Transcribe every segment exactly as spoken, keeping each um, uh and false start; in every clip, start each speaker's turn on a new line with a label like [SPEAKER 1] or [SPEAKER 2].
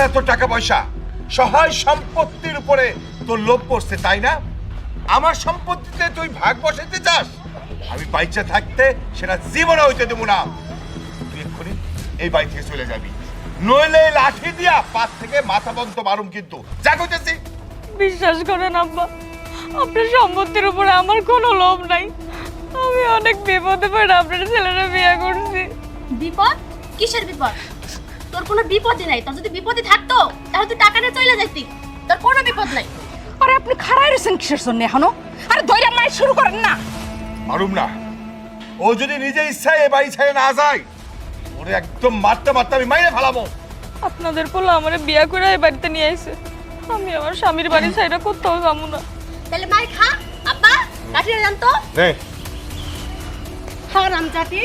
[SPEAKER 1] এত টাকা পয়সা, সহায় সম্পত্তির উপরে তোর লোভ পড়ছে, তাই না? আমার সম্পত্তিতে তুই ভাগ বসাইতে চাস? আমি বাইচা থাকতে সেটা জীবনে হইতে দেবো না। তুই এক্ষুনি এই বাড়ি থেকে চলে যাবি, নইলে লাঠি দিয়া পাত থেকে মাথা বন্ধ মারুম কিন্তু। যা কইতেছি।
[SPEAKER 2] বিশ্বাস করেন আব্বা, আপনার সম্পত্তির উপরে আমার কোনো লোভ নাই। আমি অনেক বিপদে পড়ে আপনার ছেলেরা বিয়ে করছি।
[SPEAKER 3] বিপদ? কিসের বিপদ? তোর কোনো বিপদই নাই। তোর যদি বিপদই থাকতো তাহলে তুই টাকা নিয়ে চলে যাইতি। তোর কোনো বিপদ নাই।
[SPEAKER 4] আরে আপনি খাড়াই রয়েছেন কিসের জন্য এখনো? আরে ধৈর্য মাই শুরু করেন না।
[SPEAKER 1] মারুম না। ও যদি নিজে ইচ্ছায় এই বাড়ি ছেড়ে না যায়, ওরে একদম মারতে মারতে আমি মাইরে ফেলাবো।
[SPEAKER 2] আপনাদের পোলা আমার বিয়ে করে এই বাড়িতে নিয়ে আইছে। আমি আমার স্বামীর বাড়ি ছাইরা কোথাও যাবো না।
[SPEAKER 3] তাহলে মাই খা। আব্বা কাঠিয়ে জান তো।
[SPEAKER 1] নে
[SPEAKER 3] হারাম জাতি।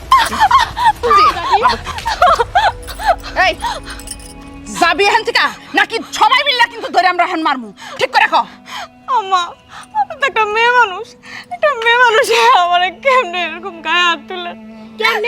[SPEAKER 4] এই যাবি এখান থেকে নাকি সবাই মিললে কিন্তু ধরে আমরা এখন মারমু, ঠিক করে রাখো।
[SPEAKER 2] আম্মা, আমি তো একটা মেয়ে মানুষ। একটা মেয়ে মানুষ আমার কেমনে এরকম গায়ে হাত তুলে?
[SPEAKER 3] কেমনে?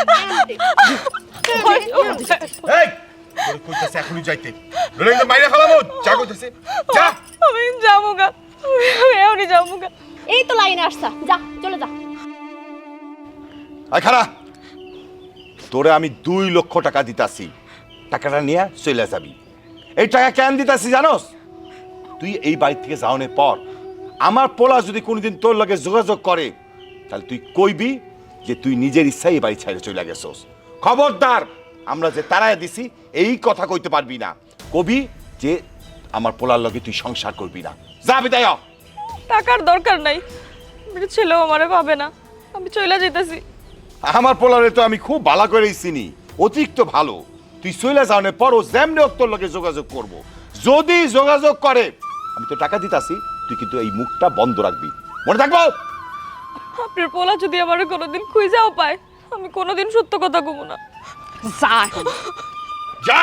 [SPEAKER 1] এই তোর কইতাছে এখনই যাইতে, নইলে কিন্তু মাইরে ফেলাবো। যা কইতাছে যা।
[SPEAKER 2] আমি যাবো গা, আমি এখনই যাবো গা।
[SPEAKER 3] এই তো লাইনে আসছা, যা চলে যা।
[SPEAKER 1] আয় খারা, তোরে আমি দুই লক্ষ টাকা দিতাছি, টাকাটা নিয়ে চলে যাবি। এই টাকা কেন দিতাছি জানোস? তুই এই বাড়ি থেকে যাওয়ানোর পর আমার পোলা যদি কোনোদিন তোর লগে যোগাযোগ করে, তাহলে তুই কইবি যে তুই নিজের ইচ্ছায় এই বাড়ি ছেড়ে চলে গেছস। খবরদার, আমরা যে তারায় দিছি এই কথা কইতে পারবি না। কবি যে আমার পোলার লগে তুই সংসার করবি না। যা বিদায় হ।
[SPEAKER 2] টাকার দরকার নাই, আমার ছেলেও আমারে পাবে না। আমি চলে যাইতাছি।
[SPEAKER 1] আমার পোলারে তো আমি খুব ভালো করেই চিনি, অতিরিক্ত ভালো। তুই চলে যাওয়ানোর পর ও যেমনি হোক তোর লগে যোগাযোগ করব। যদি যোগাযোগ করে, আমি তো টাকা দিতাছি, তুই কিন্তু এই মুখটা বন্ধ রাখবি, মনে থাকবো।
[SPEAKER 2] আপনার পোলা যদি আমার কোনোদিন খুঁজেও পায়, আমি কোনোদিন সত্য কথা কব না।
[SPEAKER 4] যা এখন।
[SPEAKER 1] যা।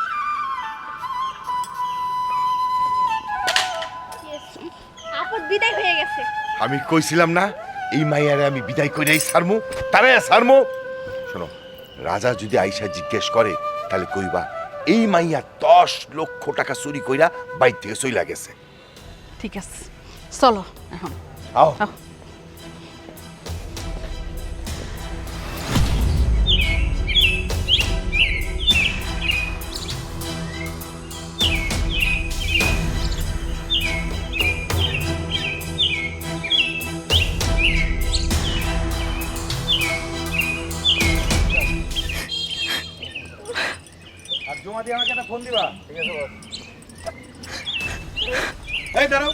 [SPEAKER 3] আপদ বিদায় হয়ে গেছে।
[SPEAKER 1] আমি কইছিলাম না এই মাইয়ারে আমি বিদায় কইরাই ছাড়মু, তারে ছাড়মু। শোনো, রাজা যদি আইসা জিজ্ঞেস করে, তাহলে কইবা এই মাইয়া দশ লক্ষ টাকা চুরি কইরা বাইর থেকে চইলা গেছে।
[SPEAKER 4] ঠিক আছে, চলো এখন।
[SPEAKER 1] আও।
[SPEAKER 4] আও।
[SPEAKER 5] জমা দিয়ে আমাকে একটা ফোন দিবা। ঠিক আছে বস। এই দাঁড়াও,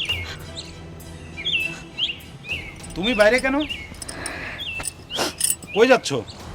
[SPEAKER 5] তুমি বাইরে কেন? কই যাচ্ছ?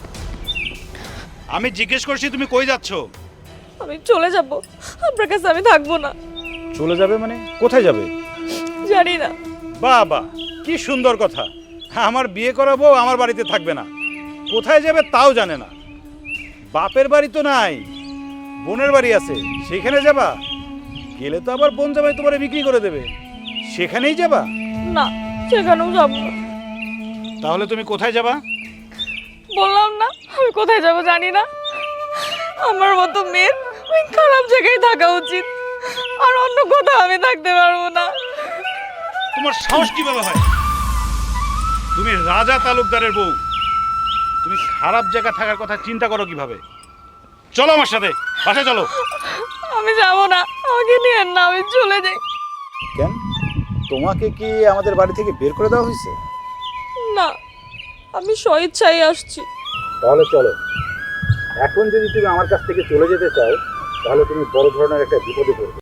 [SPEAKER 5] আমি জিজ্ঞেস করছি তুমি কই যাচ্ছ?
[SPEAKER 2] আমি চলে যাব, আপনার কাছে আমি থাকবো না।
[SPEAKER 5] চলে যাবে মানে? কোথায় যাবে?
[SPEAKER 2] জানি না।
[SPEAKER 5] বাহ বাহ, কি সুন্দর কথা। আমার বিয়ে করাবো আমার বাড়িতে থাকবে না, কোথায় যাবে তাও জানে না। বাপের বাড়ি তো নাই, বোনের বাড়ি আছে, সেখানে যাবা? গেলে তো আবার বোন জামাই তোমারে বিক্রি করে দেবে, সেখানেই যাবা?
[SPEAKER 2] না, সেখানেও যাব না।
[SPEAKER 5] তাহলে তুমি কোথায় যাবা?
[SPEAKER 2] বললাম না আমি কোথায় যাব জানি না। আমার মতো মেয়ের ওই খারাপ জায়গায় থাকা উচিত, আর অন্য কোথাও আমি থাকতে পারবো না।
[SPEAKER 5] তোমার সাহস কিভাবে হয়? তুমি রাজা তালুকদারের বউ, তুমি খারাপ জায়গা থাকার কথা চিন্তা করো কিভাবে? চলো আমার সাথে, বাসায় চলো।
[SPEAKER 2] আমি যাব না, আমাকে নিয়ে না, আমি চলে যাই।
[SPEAKER 5] কেন, তোমাকে কি আমাদের বাড়ি থেকে বের করে দেওয়া হয়েছে?
[SPEAKER 2] না, আমি স্বইচ্ছায় আসছি।
[SPEAKER 5] তাহলে চলো। এখন যদি তুমি আমার কাছ থেকে চলে যেতে চাও, তাহলে তুমি বড় ধরনের একটা বিপদে পড়বে।